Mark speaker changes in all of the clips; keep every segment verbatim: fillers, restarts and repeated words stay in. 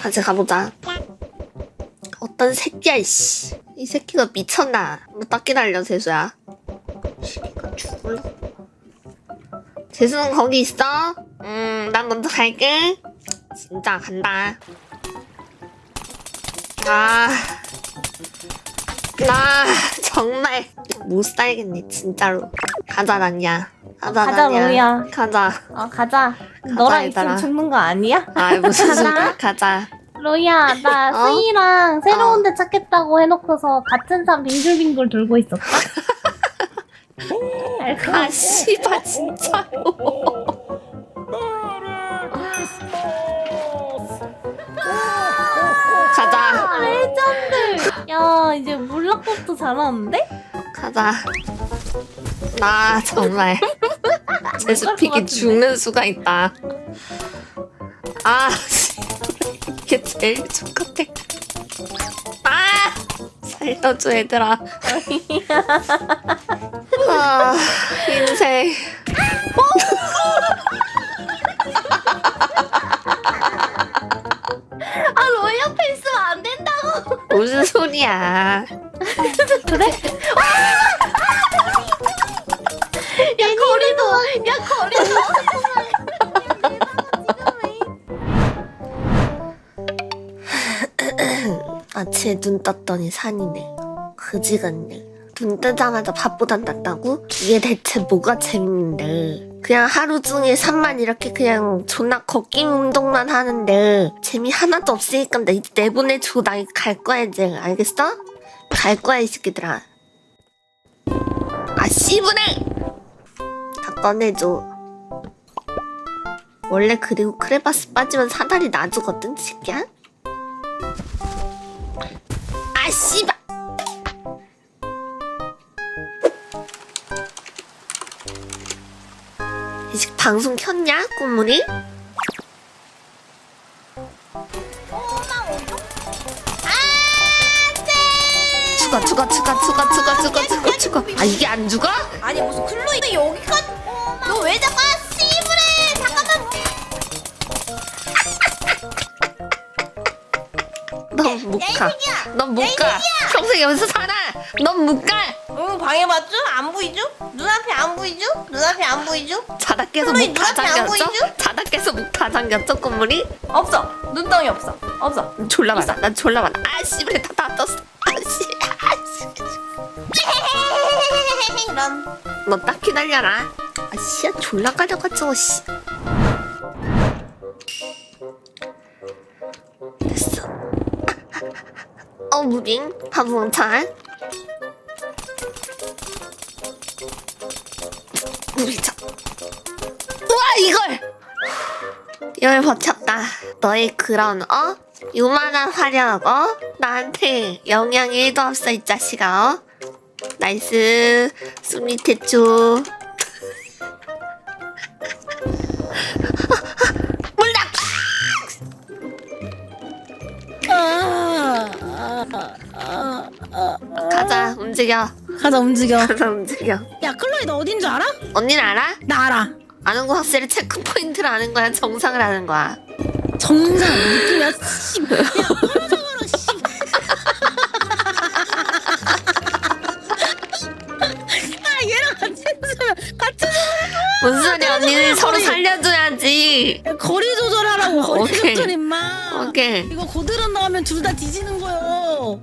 Speaker 1: 같이 가보자. 어떤 새끼야 이씨. 이 새끼가 미쳤나. 너 딱 기다려 재수야. 시기가 죽을래. 재수는 거기 있어? 음, 난 먼저 갈게. 진짜 간다. 아, 나 정말 못 살겠네 진짜로. 가자 난야. 가자
Speaker 2: 가자,
Speaker 1: 난야.
Speaker 2: 로이야.
Speaker 1: 가자.
Speaker 2: 어 가자. 너랑
Speaker 1: 얘들아.
Speaker 2: 있으면 죽는 거 아니야?
Speaker 1: 아 무슨
Speaker 2: 가자.
Speaker 1: 소리야? 가자.
Speaker 2: 로이야 나
Speaker 1: 어?
Speaker 2: 스이랑 새로운 데 찾겠다고 해놓고서 같은 산 빙글빙글 돌고 있었다. 알고
Speaker 1: 아 씨발 진짜로. 가자.
Speaker 2: 아, 레전드. 야 이제 물락법도 잘하는데?
Speaker 1: 가자. 나 정말 제수픽이 죽는 수가 있다. 아 이게 제일 좋겠대. 아 살려줘 얘들아. 아 인생.
Speaker 2: 아 로이 옆에 있으면 안 된다고.
Speaker 1: 무슨 소리야?
Speaker 2: 그래? 야 거리도 야 거리도.
Speaker 1: 아침에 눈 떴더니 산이네. 그지 같네. 눈 뜨자마자 밥보단 낫다고? 이게 대체 뭐가 재밌는데. 그냥 하루 종일 산만 이렇게 그냥 존나 걷기 운동만 하는데 재미 하나도 없으니까 나 이제 내보내줘. 나 갈 거야 이제. 알겠어? 갈 거야 이 새끼들아. 아 씨부네! 다 꺼내줘. 원래 그리고 크레바스 빠지면 사다리 놔주거든 새끼야? 아 씨발! 이제 방송 켰냐 꽃무늬? 죽어 죽어 죽어 죽어 죽어 죽어 죽어 죽어. 아 이게 안 죽어?
Speaker 3: 아니 무슨 클로이 여기까지 너 왜 자꾸 씨부래 잠깐만
Speaker 1: 넌 못 가. 넌 못 가. 평생 여기서 살아. 넌 못 가.
Speaker 3: 응 방해받죠? 안 보이죠? 눈앞이 안 보이죠? 눈앞이 안 보이죠?
Speaker 1: 자다 깨서
Speaker 3: 클로이
Speaker 1: 목 다
Speaker 3: 눈앞이 안
Speaker 1: 잠겼죠?
Speaker 3: 보이죠?
Speaker 1: 자다 깨서 목 다 잠겼죠 꽃무늬?
Speaker 3: 없어 눈덩이 없어 없어
Speaker 1: 졸라 많아. 난 졸라 많아. 아 씨발 다다 떴어. 아씨.
Speaker 3: 이런
Speaker 1: 너 딱 기다려라. 아 씨야 졸라 가져가지고 씨. 됐어. 어 무빙 바보응찰. 무빙차. 우와 이걸. 이걸 버텼다. 너의 그런 어? 요만한 화력 어? 나한테 영향 일도 없어 이 자식아 어? 나이스 숨밑에줘. 몰라. 가자 움직여.
Speaker 4: 가자 움직여.
Speaker 1: 가자 움직여.
Speaker 4: 야 클로이 너 어딘 줄 알아?
Speaker 1: 언니는 알아?
Speaker 4: 나 알아.
Speaker 1: 아는 거 확실히 체크 포인트를 아는 거야 정상을 아는 거야.
Speaker 4: 정상 느낌이야. 씨. 야 서로 씨. 아 얘랑 같이 있으면 같이
Speaker 1: 무슨 소리야 언니는 서로 살려줘야지.
Speaker 4: 야, 거리 조절하라고. 거리
Speaker 1: 오케이.
Speaker 4: 조절 임마.
Speaker 1: 오케이.
Speaker 4: 이거 고드름 나오면 둘 다 뒤지는 거요.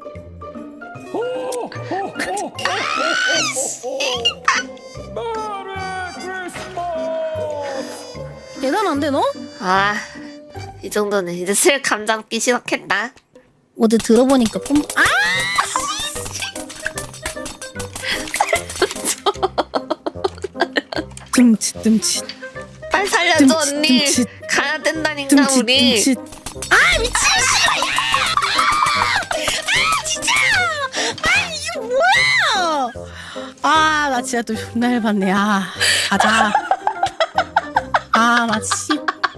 Speaker 4: 대단한데 너?
Speaker 1: 아 이 정도는 이제 슬 감자 먹기 시작했다.
Speaker 4: 어제 들어보니까 꿈. 아! 듬칫 듬칫
Speaker 1: 빨리 살려줘
Speaker 4: 듬칫,
Speaker 1: 언니.
Speaker 4: 듬칫.
Speaker 1: 가야 된다니까
Speaker 4: 듬칫
Speaker 1: 우리.
Speaker 4: 듬칫. 아 미친 씨발! 아 진짜! 아 이게 뭐야! 아 나 진짜 또 존나 열받네. 아 가자. 아 나 씨.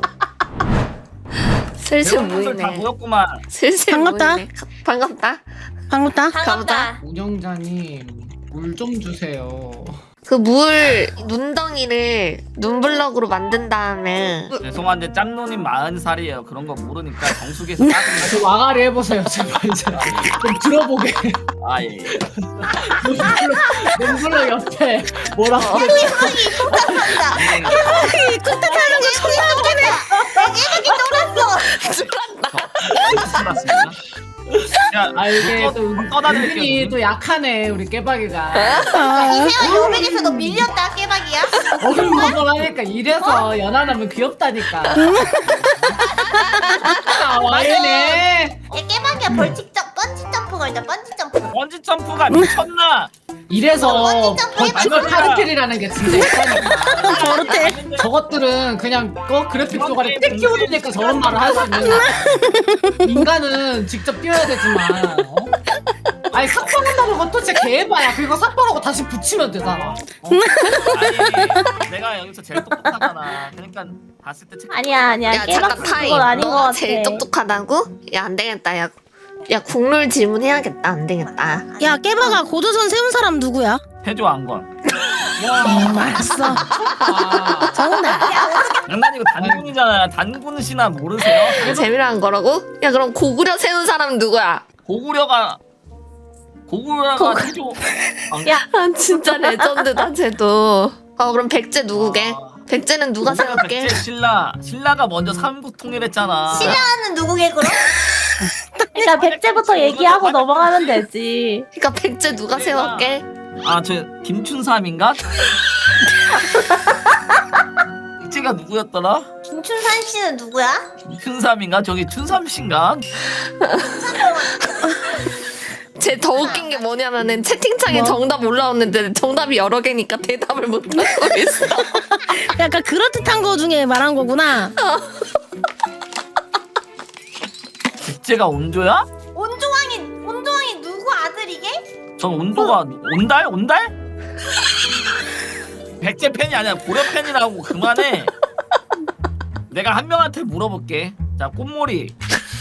Speaker 1: 슬슬
Speaker 5: 다
Speaker 1: 모이네.
Speaker 5: 모였구만.
Speaker 1: 슬슬
Speaker 4: 반갑다.
Speaker 1: 모이네. 가- 반갑다.
Speaker 4: 반갑다.
Speaker 1: 가보자.
Speaker 6: 운영자님 물 좀 주세요.
Speaker 1: 그 물 눈덩이를 눈블럭으로 만든 다음에
Speaker 5: 죄송한데 짱누님 마흔 살이에요. 그런 거 모르니까 정수기에서 따뜻한
Speaker 6: 좀 와가리 해보세요 제발 이제 좀 들어보게.
Speaker 5: 아 예. 예.
Speaker 6: 맹글러 옆에 뭐라고
Speaker 3: 깨박이 폭탄한다.
Speaker 5: 이
Speaker 3: 깨박이 거 존나 웃기네. 깨박이 놀았어.
Speaker 5: 알았습니다. 야,
Speaker 6: 아 이게 또
Speaker 5: 떠다니는
Speaker 6: 은근히 또 약하네 우리 깨박이가.
Speaker 3: 이세영 요백에서 너 밀렸다 깨박이야.
Speaker 6: 어글먹을하니까 이래서 연하남은 귀엽다니까. 아 와이네.
Speaker 3: 얘 깨박이야 벌칙 점 번지 점프 걸자 번지 점프.
Speaker 5: 번지 점프가 미쳤나?
Speaker 6: 이래서
Speaker 3: 완전 점프
Speaker 6: 버티컬
Speaker 5: 해봐.
Speaker 6: 파르킬이라는 게 진짜 있다니까.
Speaker 4: 저렇대.
Speaker 6: 저것들은 그냥 어 그래픽 조각에 땡 끼워주니까 저런 말을 할 수 있는 거야. 인간은 직접 뛰어야 되지만 어? 아니 삭발한다는 것도 진짜 개해봐야. 그리고 삭발하고 다시 붙이면 되잖아. 어?
Speaker 5: 아니 내가 여기서 제일 똑똑하잖아. 그러니까 봤을 때 체크.
Speaker 2: 아니야 아니야
Speaker 1: 야 잠깐
Speaker 2: 깨박이
Speaker 1: 타임.
Speaker 2: 그건 아닌 것
Speaker 1: 너가
Speaker 2: 같아.
Speaker 1: 제일 똑똑하다고? 야 안 되겠다. 야, 야 국룰 질문해야겠다. 안 되겠다.
Speaker 4: 야 깨박아 고조선 세운 사람 누구야?
Speaker 5: 해줘 안건.
Speaker 4: 음, 알았어.
Speaker 6: 아,
Speaker 4: 정답.
Speaker 5: 장난 이거 단군이잖아. 단군 신화 모르세요?
Speaker 1: 재미난 거라고? 야 그럼 고구려 세운 사람 누구야?
Speaker 5: 고구려가 고구려가
Speaker 1: 고구-
Speaker 5: 해줘. 아,
Speaker 2: 야.
Speaker 1: 아 진짜 레전드다 쟤도. 어 그럼 백제 누구게?
Speaker 5: 아.
Speaker 1: 백제는 누가
Speaker 5: 고구려
Speaker 1: 세울게?
Speaker 5: 백제 신라 신라가 먼저 삼국 통일했잖아.
Speaker 3: 신라는 누구게 그럼?
Speaker 2: 일단 백제부터 얘기하고 넘어가면 되지.
Speaker 1: 그러니까 백제 누가 세울게?
Speaker 5: 아저 김춘삼인가? 백제가 누구였더라?
Speaker 3: 김춘산 씨는 누구야?
Speaker 5: 김춘삼인가? 저기 춘삼 씨인가?
Speaker 1: 쟤 더 웃긴 게 뭐냐면은 채팅창에 정답 올라왔는데 정답이 여러 개니까 대답을 못하고 있어.
Speaker 4: 약간 그럴듯한 거 중에 말한 거구나.
Speaker 5: 백제가 온조야?
Speaker 3: 온조왕이 온조왕이 누구 아들이게?
Speaker 5: 전 온도가 온달? 온달? 백제 팬이 아니라 고려 팬이라고 그만해. 내가 한 명한테 물어볼게. 자 꽃몰이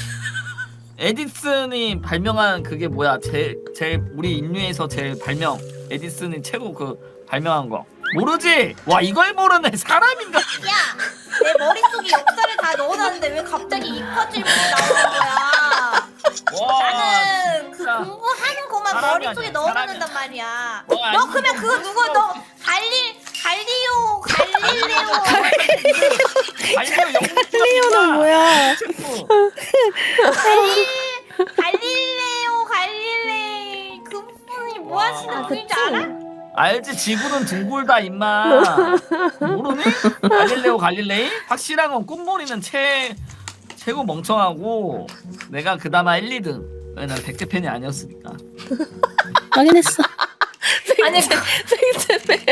Speaker 5: 에디슨이 발명한 그게 뭐야? 제일 제일 우리 인류에서 제일 발명 에디슨이 최고 그 발명한 거 모르지? 와 이걸 모르네 사람인가?
Speaker 3: 야, 내 머릿속에 역사를 다 넣어놨는데 왜 갑자기 이과 질문이 나오는 거야?
Speaker 5: 와
Speaker 3: 나는 그
Speaker 5: 진짜.
Speaker 3: 공부하는 것만
Speaker 5: 사람이
Speaker 3: 머릿속에
Speaker 5: 아니야,
Speaker 3: 넣어놓는단 말이야.
Speaker 5: 와,
Speaker 3: 너
Speaker 5: 아니,
Speaker 3: 그러면 그거 누구 너 갈리 갈리오 갈릴레오
Speaker 5: 갈리오
Speaker 4: 클리오는 뭐야?
Speaker 3: 갈리 갈릴레오 갈릴레이 그분이 뭐
Speaker 5: 와.
Speaker 3: 하시는
Speaker 2: 아,
Speaker 3: 분인지
Speaker 2: 그치?
Speaker 3: 알아?
Speaker 5: 알지 지구는 둥글다 임마. 모르니? 갈릴레오 갈릴레이? 확실한 건 꽃몰이는 최 최고 멍청하고 내가 그나마 일, 이 등. 왜 난 백제 팬이 아니었으니까.
Speaker 4: 확인했어.
Speaker 2: 아니
Speaker 1: 백제 백제